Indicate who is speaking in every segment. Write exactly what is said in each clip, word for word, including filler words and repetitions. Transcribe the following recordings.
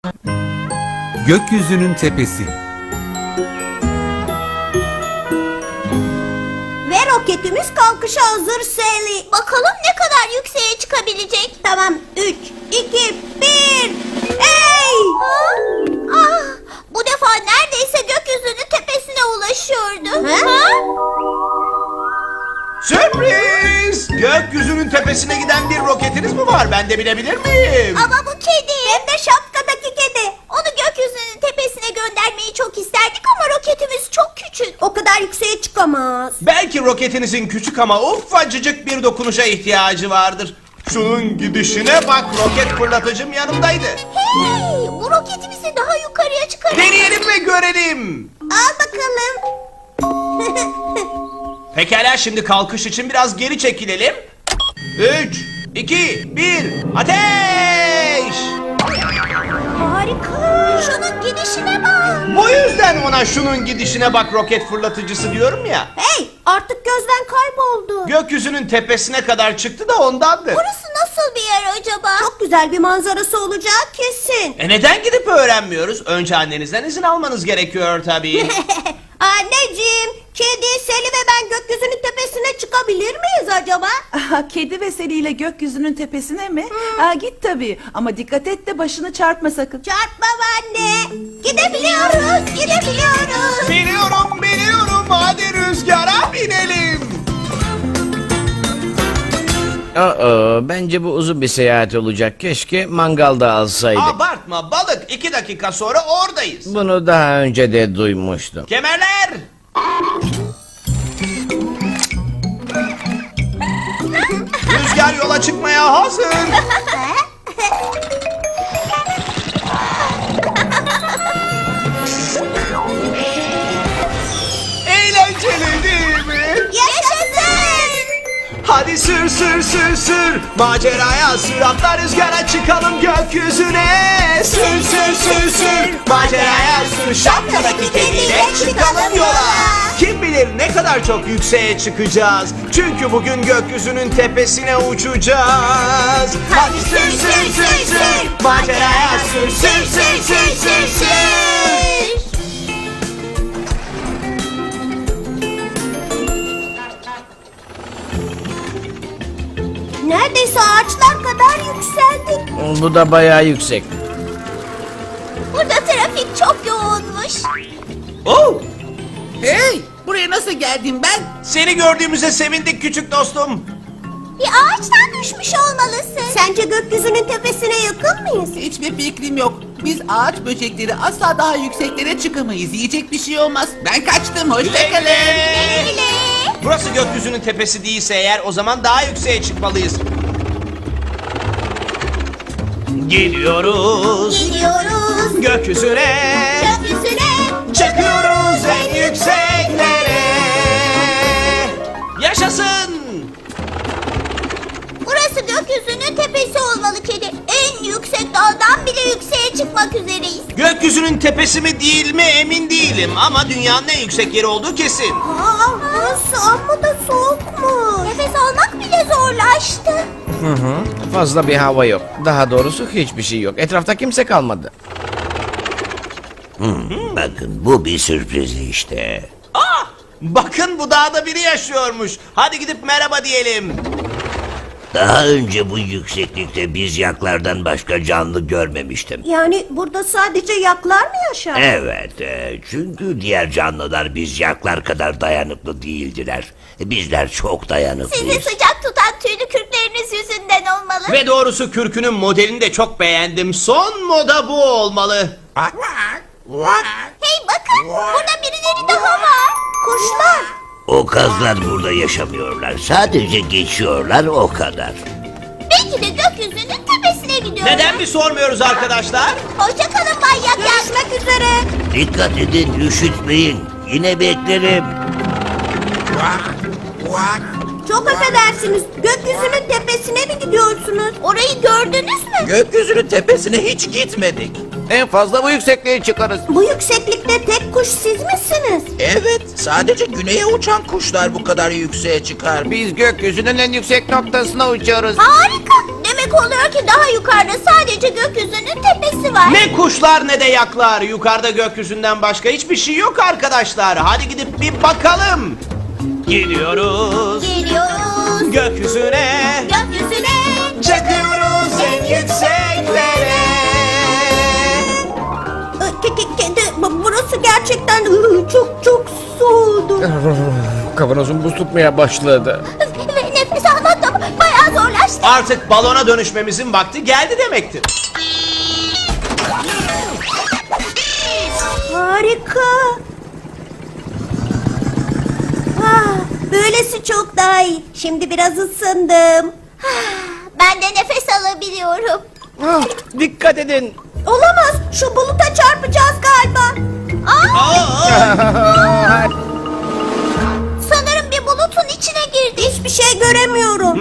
Speaker 1: Gökyüzünün tepesi.
Speaker 2: Ve roketimiz kalkışa hazır Sally. Bakalım ne kadar yükseğe çıkabilecek. Tamam, üç, iki, bir. Hey! Ah, bu defa neredeyse gökyüzünün tepesine ulaşıyordu. Ha?
Speaker 3: Sürpriz! Gökyüzünün tepesine giden bir roketiniz mi var? Ben de bilebilir miyim?
Speaker 2: Ama bu kedi. Hem de şapkadaki kedi. Onu gökyüzünün tepesine göndermeyi çok isterdik ama roketimiz çok küçük. O kadar yükseğe çıkamaz.
Speaker 3: Belki roketinizin küçük ama ufacıcık bir dokunuşa ihtiyacı vardır. Şunun gidişine bak, roket fırlatıcım yanımdaydı.
Speaker 2: Hey! Bu roketimizi daha yukarıya çıkarır.
Speaker 3: Deneyelim ve görelim.
Speaker 2: Al bakalım.
Speaker 3: Pekala, şimdi kalkış için biraz geri çekilelim. Üç, iki, bir, ateş!
Speaker 2: Harika. Şunun gidişine bak.
Speaker 3: Bu yüzden ona şunun gidişine bak roket fırlatıcısı diyorum ya.
Speaker 2: Hey, artık gözden kayboldu.
Speaker 3: Gökyüzünün tepesine kadar çıktı da ondandır.
Speaker 2: Burası nasıl bir yer acaba? Çok güzel bir manzarası olacak kesin.
Speaker 3: E neden gidip öğrenmiyoruz? Önce annenizden izin almanız gerekiyor tabii.
Speaker 2: Anneciğim, kedi, Seli ve ben gökyüzünün tepesine çıkabilir miyiz acaba?
Speaker 4: Aha, kedi ve Seli ile gökyüzünün tepesine mi? Aa, git tabii ama dikkat et de başını çarpma sakın.
Speaker 2: Çarpma anne. Gidebiliyoruz, gidebiliyoruz.
Speaker 3: Biliyorum, biliyorum. Hadi rüzgara binelim.
Speaker 5: Aa, bence bu uzun bir seyahat olacak. Keşke mangalda alsaydık.
Speaker 3: Abartma balık. iki dakika sonra oradayız.
Speaker 5: Bunu daha önce de duymuştum.
Speaker 3: Kemerler. Rüzgar yola çıkmaya hazır. Eğlenceli değil mi?
Speaker 2: Yaşasın.
Speaker 3: Hadi sür sür sür sür, maceraya sür, atla rüzgara çıkalım gökyüzüne. Sür sür sür sür, maceraya sür, şapkadaki kediyle çıkalım yola. Kim bilir ne kadar çok yükseğe çıkacağız. Çünkü bugün gökyüzünün tepesine uçacağız. Hadi sür sür sür sür, maceraya sür sür sür sür sür sür.
Speaker 2: Neredeyse ağaçlar kadar yükseldik.
Speaker 5: Bu da bayağı yüksek.
Speaker 2: Burada trafik çok yoğunmuş.
Speaker 3: Oh!
Speaker 6: Hey! Buraya nasıl geldim ben?
Speaker 3: Seni gördüğümüze sevindik küçük dostum.
Speaker 2: Bir ağaçtan düşmüş olmalısın. Sence gökyüzünün tepesine yakın mıyız?
Speaker 6: Hiçbir fikrim yok. Biz ağaç böcekleri asla daha yükseklere çıkamayız. Yiyecek bir şey olmaz. Ben kaçtım. Hoşçakalın.
Speaker 2: Öyle.
Speaker 3: Burası gökyüzünün tepesi değilse eğer o zaman daha yükseğe çıkmalıyız. Gidiyoruz
Speaker 2: Gidiyoruz
Speaker 3: gökyüzüne,
Speaker 2: gökyüzüne.
Speaker 3: çıkıyoruz en yükseklere. Yaşasın!
Speaker 2: Burası gökyüzünün tepesi olmalı kedi. En yüksek dağdan bile yükseğe çıkmak üzereyiz.
Speaker 3: Gökyüzünün tepesi mi değil mi emin değilim ama dünyanın en yüksek yeri olduğu kesin.
Speaker 2: Aa, burası amma da soğukmuş. Nefes almak bile zorlaştı.
Speaker 5: Hı hı. Fazla bir hava yok. Daha doğrusu hiçbir şey yok. Etrafta kimse kalmadı.
Speaker 7: Bakın bu bir sürpriz işte.
Speaker 3: Ah! Bakın bu dağda biri yaşıyormuş. Hadi gidip merhaba diyelim.
Speaker 7: Daha önce bu yükseklikte biz yaklardan başka canlı görmemiştim.
Speaker 2: Yani burada sadece yaklar mı yaşar?
Speaker 7: Evet, e, çünkü diğer canlılar biz yaklar kadar dayanıklı değildiler. Bizler çok dayanıklıyız.
Speaker 2: Sizi sıcak tutan tüylü kürkleriniz yüzünden olmalı.
Speaker 3: Ve doğrusu kürkünün modelini de çok beğendim. Son moda bu olmalı.
Speaker 2: Hey bakın, burada birileri daha var. Kuşlar.
Speaker 7: O kazlar burada yaşamıyorlar. Sadece geçiyorlar o kadar.
Speaker 2: Belki de gökyüzünün tepesine gidiyorlar.
Speaker 3: Neden mi sormuyoruz arkadaşlar?
Speaker 2: Hoşçakalın Bay Yak. Görüşmek üzere.
Speaker 7: Dikkat edin, üşütmeyin. Yine beklerim.
Speaker 2: Çok affedersiniz. Gökyüzünün tepesine mi gidiyorsunuz? Orayı gördünüz mü?
Speaker 6: Gökyüzünün tepesine hiç gitmedik.
Speaker 5: En fazla bu yüksekliğe çıkarız.
Speaker 2: Bu yükseklikte tek kuş siz misiniz?
Speaker 6: Evet, sadece güneye uçan kuşlar bu kadar yükseğe çıkar.
Speaker 5: Biz gökyüzünün en yüksek noktasına uçuyoruz.
Speaker 2: Harika. Demek demek oluyor ki daha yukarıda sadece gökyüzünün tepesi var.
Speaker 3: Ne kuşlar ne de yaklar. Yukarıda gökyüzünden başka hiçbir şey yok arkadaşlar. Hadi gidip bir bakalım. Gidiyoruz
Speaker 2: Geliyoruz
Speaker 3: gökyüzüne.
Speaker 2: gökyüzüne.
Speaker 3: Çıkıyoruz en yükseklere.
Speaker 2: Ke- ke- Kedi, bu- burası gerçekten ıı, çok çok soğudu.
Speaker 5: Kavanozun buz tutmaya başladı.
Speaker 2: Ve nefes almak da bayağı zorlaştı.
Speaker 3: Artık balona dönüşmemizin vakti geldi demektir.
Speaker 2: Harika. Ah, böylesi çok daha iyi. Şimdi biraz ısındım. Ben de nefes alabiliyorum.
Speaker 5: Ah, dikkat edin.
Speaker 2: Olamaz. Şu buluta çarpacağız galiba. Aa,
Speaker 3: Aa!
Speaker 2: sanırım bir bulutun içine girdi. Hiçbir şey göremiyorum.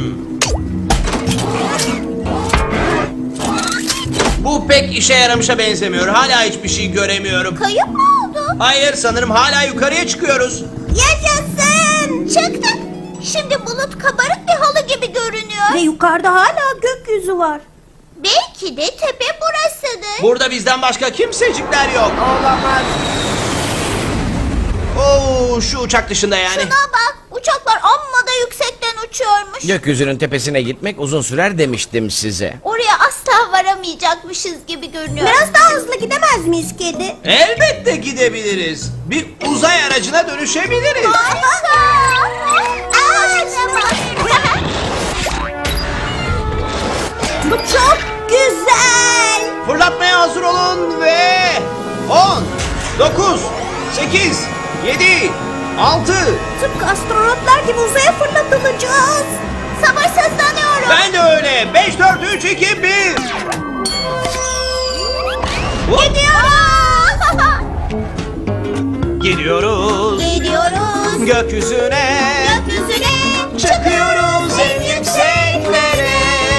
Speaker 3: Bu pek işe yaramışa benzemiyor. Hala hiçbir şey göremiyorum.
Speaker 2: Kayıp mı oldu?
Speaker 3: Hayır, sanırım hala yukarıya çıkıyoruz.
Speaker 2: Yaşasın. Çıktık. Şimdi bulut kabarık bir halı gibi görünüyor. Ve yukarıda hala gökyüzü var. Belki de tepe burasıdır.
Speaker 3: Burada bizden başka kimsecikler yok. Olamaz. Oo, şu uçak dışında yani.
Speaker 2: Şuna bak. Uçaklar amma da yüksekten uçuyormuş.
Speaker 5: Gökyüzünün tepesine gitmek uzun sürer demiştim size.
Speaker 2: Oraya asla varamayacakmışız gibi görünüyor. Biraz daha hızlı gidemez miyiz kedi?
Speaker 3: Elbette gidebiliriz. Bir uzay aracına dönüşebiliriz.
Speaker 2: Harika. Aa, bu çok güzel.
Speaker 3: Fırlatmaya hazır olun ve on, dokuz, sekiz, yedi, altı.
Speaker 2: Tıpkı astronotlar gibi uzaya fırlatılacağız. Sabırsızlanıyorum.
Speaker 3: Ben de öyle. beş, dört, üç, iki, bir.
Speaker 2: Gidiyoruz.
Speaker 3: Gidiyoruz
Speaker 2: Gidiyoruz.
Speaker 3: gökyüzüne.
Speaker 2: Gökyüzüne
Speaker 3: Çıkıyoruz en yükseklere.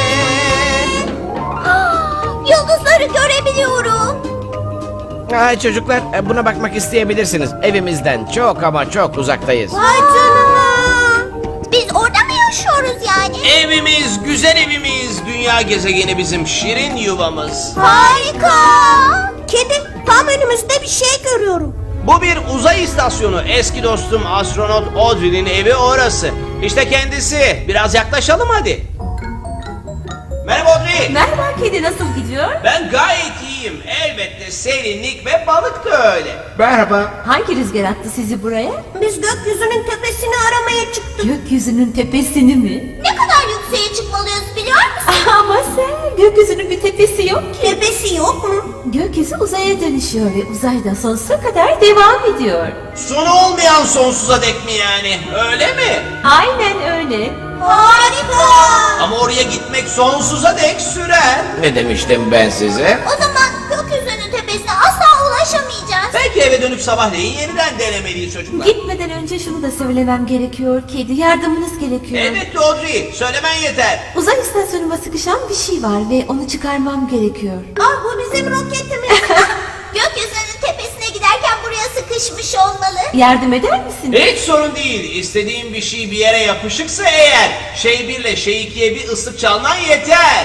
Speaker 2: Aa, yıldızları görebiliyorum.
Speaker 5: Ay çocuklar, e, buna bakmak isteyebilirsiniz. Evimizden çok ama çok uzaktayız.
Speaker 2: Vay canına. Biz orada mı yaşıyoruz yani?
Speaker 3: Evimiz, güzel evimiz. Dünya gezegeni bizim şirin yuvamız.
Speaker 2: Harika. Kedi, tam önümüzde bir şey görüyorum.
Speaker 3: Bu bir uzay istasyonu. Eski dostum astronot Audrey'nin evi orası. İşte kendisi. Biraz yaklaşalım hadi. Merhaba Audrey.
Speaker 1: Merhaba kedi, nasıl gidiyor?
Speaker 3: Ben gayet iyiyim. Elbette serinlik ve balık da öyle.
Speaker 1: Hangi rüzgar attı sizi buraya?
Speaker 2: Biz gökyüzünün tepesini aramaya çıktık.
Speaker 1: Gökyüzünün tepesini mi?
Speaker 2: Ne kadar yükseğe çıkmalıyız biliyor musun?
Speaker 1: Ama sen, gökyüzünün bir tepesi yok ki.
Speaker 2: Tepesi yok mu?
Speaker 1: Gökyüzü uzaya dönüşüyor ve uzayda sonsuza kadar devam ediyor.
Speaker 3: Sonu olmayan sonsuza dek mi yani? Öyle mi?
Speaker 1: Aynen öyle.
Speaker 2: Harika.
Speaker 3: Ama oraya gitmek sonsuza dek sürer.
Speaker 5: Ne demiştim ben size?
Speaker 2: O zaman gökyüzünün tepesine asla ulaşamayacağız.
Speaker 3: Belki eve dönüp sabahleyin yeniden denemeliyiz çocuklar.
Speaker 1: Gitmeden önce şunu da söylemem gerekiyor kedi, yardımınız gerekiyor.
Speaker 3: Elbette Audrey. Söylemen yeter.
Speaker 1: Uzay istasyonuma sıkışan bir şey var ve onu çıkarmam gerekiyor.
Speaker 2: Ah, bu bizim roketimiz. Gökyüzünün tepesine giderken buraya sıkışmış olmalı.
Speaker 1: Yardım eder misin?
Speaker 3: Hiç sorun değil. İstediğin bir şey bir yere yapışıksa eğer şey birle şey ikiye bir ıslık çalman yeter.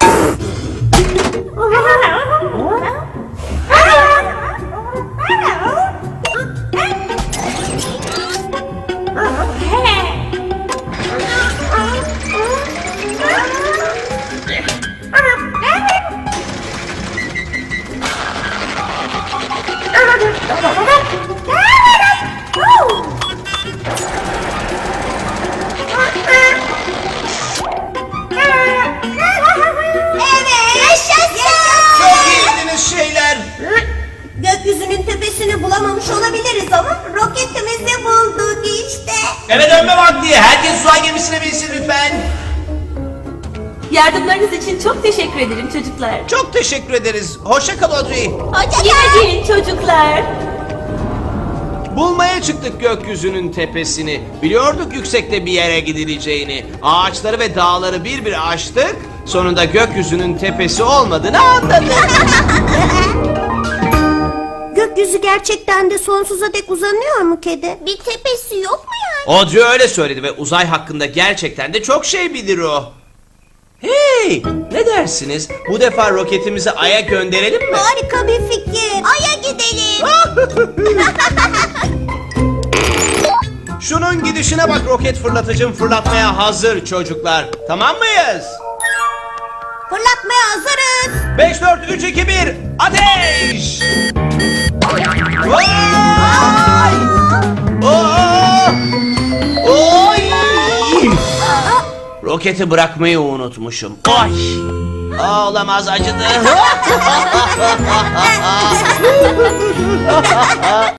Speaker 2: Evet. Yaşasın.
Speaker 3: Çok iyiydiniz şeyler.
Speaker 2: Gökyüzünün tepesini bulamamış olabiliriz ama roketimizi bulduk işte.
Speaker 3: Eve dönme vakti. Herkes uzay gemisine binsin lütfen.
Speaker 1: Yardımlarınız için çok teşekkür ederim çocuklar.
Speaker 3: Çok teşekkür ederiz. Hoşça kal Audrey.
Speaker 2: Hoşça
Speaker 1: Yine
Speaker 2: kal.
Speaker 1: gelin çocuklar.
Speaker 3: Bulmaya çıktık gökyüzünün tepesini. Biliyorduk yüksekte bir yere gidileceğini. Ağaçları ve dağları bir bir aştık. Sonunda gökyüzünün tepesi olmadığını anladık.
Speaker 2: Gökyüzü gerçekten de sonsuza dek uzanıyor mu kedi? Bir tepesi yok mu yani?
Speaker 3: Audrey öyle söyledi ve uzay hakkında gerçekten de çok şey bilir o. Hey, ne dersiniz? Bu defa roketimizi Ay'a gönderelim mi?
Speaker 2: Harika bir fikir. Ay'a gidelim.
Speaker 3: Şunun gidişine bak, roket fırlatıcım fırlatmaya hazır çocuklar. Tamam mıyız?
Speaker 2: Fırlatmaya hazırız.
Speaker 3: beş, dört, üç, iki, bir, ateş! Vay! Aa! Oy! Roketi bırakmayı unutmuşum. Oy! Aa, olamaz, acıdı.